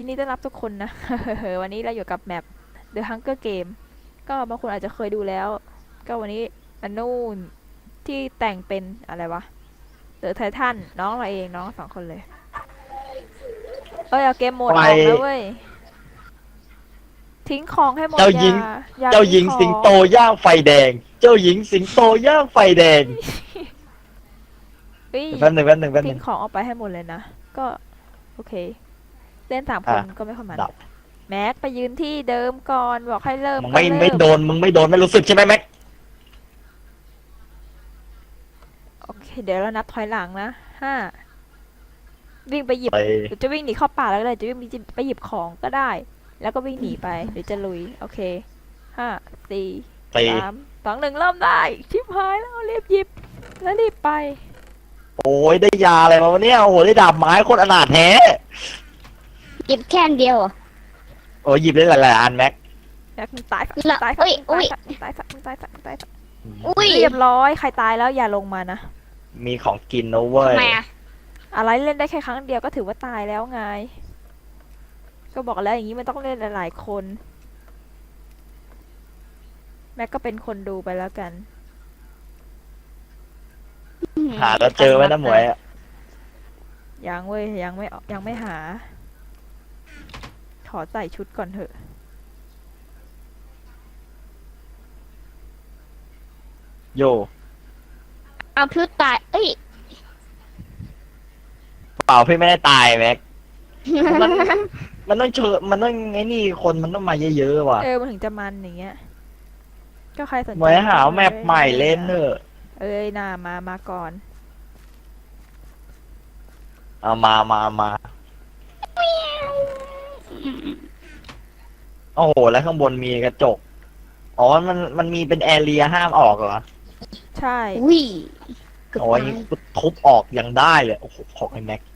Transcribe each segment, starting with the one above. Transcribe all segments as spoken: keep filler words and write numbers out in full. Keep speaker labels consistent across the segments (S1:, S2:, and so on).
S1: นดีต้อนรับทุกคนนะ วันนี้เราอยู่กับแมป The Hunger Game ก็บางคนอาจจะเคยดูแล้ว ก็วันนี้อันนู่นที่แต่งเป็นอะไรวะเดอะไททันน้องเราเองน้องสองคนเลย เอ้ยเอาเกมโหมดอ
S2: ไป
S1: อกแล้วเว้ย ทิ้งของให้หมด
S2: เจ้า
S1: อ
S2: หญิ
S1: ย่าง อย่า
S2: เจ้าหญิง
S1: มีของ
S2: สิงโตย่างไฟแดง เจ้าหญิงสิงโตย่างไฟแดง
S1: เฮ้ย
S2: แป๊บหนึ่งแป๊บหนึ่งแป๊บห
S1: ทิ้
S2: นึ่
S1: ง
S2: ง
S1: ของออกไปให้หมดเลยนะ ก็โอเค เล่นสามคน
S2: อ่ะ
S1: ก็ไม่ค่อยมัน
S2: ดับ
S1: แม็กไปยืนที่เดิมก่อนบอกให้เริ่ม
S2: มึง
S1: ก็
S2: ไม่
S1: เริ่
S2: ไม่
S1: ม
S2: โดนมึงไม่โดนไม่รู้สึกใช่ไหมแม็ก
S1: โอเคเดี๋ยวเรานับถอยหลังนะห้าวิ่งไปหยิบ
S2: ไป
S1: หรือจะวิ่งหนีเข้าป่าแล้วก็ได้จะวิ่งไปหยิบของก็ได้ แล้วก็วิ่งหนีไปหรือจะลุยโอเคห้าสี่
S2: ไป
S1: สามสองหนึ่งเริ่มได้ชิบหายแล้วรีบหยิบแล้วรีบไป
S2: โอ้ยได้ยาอะไรมาวะเนี่ยโอ้โหได้ดาบไม้โคตรอนาถแท้
S3: หยิบแค่อันเดียวเหรอ
S2: โอ้ยหยิบได้หลายๆอันแม็ก
S1: แม็กมึงตายสัก
S3: ละ
S1: ตายสั
S3: อุ๊ย
S1: มึง
S3: อุ๊ย
S1: ตายสักมึงตายสักมึงตายสักมึงตายสัก
S3: อุ้ย
S1: เรียบร้อยใครตายแล้วอย่าลงมานะ
S2: มีของกินนะเว้ย
S3: ทำไมอ่ะ
S1: อะไรเล่นได้แค่ครั้งเดียวก็ถือว่าตายแล้วไงก็บอกแล้วอย่างนี้มันต้องเล่นหลายๆคนแม็กก็เป็นคนดูไปแล้วกัน
S2: หาแล้วเจอไหมนะหมวยอะ
S1: ยังเว้ยยังไม่ออกยังไม่หา ขอใส่ชุดก่อนเถอะ
S2: โย
S3: เอาพลุตาย เอ้ย
S2: เปล่าพี่ไม่ได้ตายแม็ก มัน มันต้องเชิญมันต้องไอ้นี่คนมันต้องมาเยอะๆว่ะ
S1: เออมันถึงจะมันอย่างเงี้ยก็ใครสนใจ
S2: หมวยหาแมปใหม่เล่นเนอะ
S1: เอ้ยน่ามามาก่อน
S2: เอามามามาโอ้โหแล้วข้างบนมีกระจกอ๋อมันมันมีเป็นแอเรียห้ามออกเหรอ
S1: ใช่
S3: อุ้ยเกือบ
S2: โอ้ย
S3: ตาย
S2: กูทุบออกยังได้เลยโอ้โหของไอ้แม็ก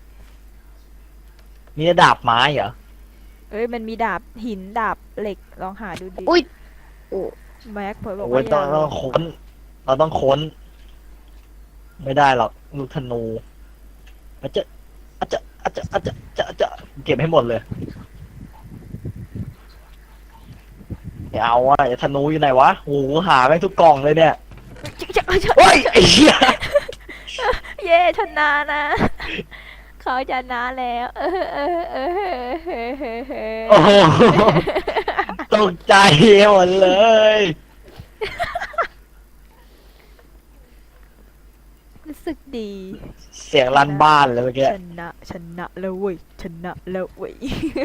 S2: นี่ดาบไม้เหรอ
S1: เอ้ยมันมีดาบหินดาบเหล็กลองหาดูดิ
S3: อุ้ยโอ้
S1: แม็กเผยบอก
S2: โอ้
S1: ว่าย อ
S2: ต้อย่าง ต้องค้น เราต้องค้น ไม่ได้หรอกลูกธนูอาจจะอาจจะอาจจะอาจจะจะจะเก็บให้หมดเลยไม่เอาอ่ะไอ้ธนูอยู่ไหนวะโอ้โหหาแม่งทุกกล่องเลยเนี่ยโอ้ยไอ้เหี้ย
S1: เย่ชนะนะ เขาชนะแล้ว เออเออเออเออเออเออเออ
S2: โอ้โหตกใจหมดเลย
S1: รู้สึกดี
S2: เสียงลั่นบ้านเลยเมื่อกี้
S1: ชนะชนะแล้วเว้ยชนะแล้วเว้ย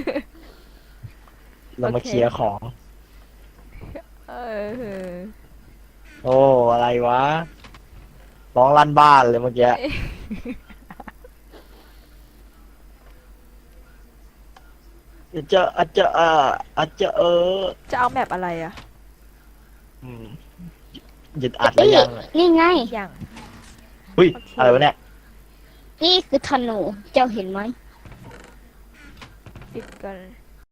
S2: เรามาเคลียร์ของ
S1: เออเออ
S2: โอ้อะไรวะร้องลั่นบ้านเลยเมื่อกี้อาจจะอาจจะเอออาจจะเออ
S1: จะเอาแมปอะไรอะ
S2: อืมหยุดอัดแล้วยัง
S3: นี่ไง
S1: อย่าง
S2: อุ้ย
S1: โอเค
S2: อะไรวะเนี่ย
S3: นี่คือธนู เจ้าเห็นไหม
S1: ปิดก่อน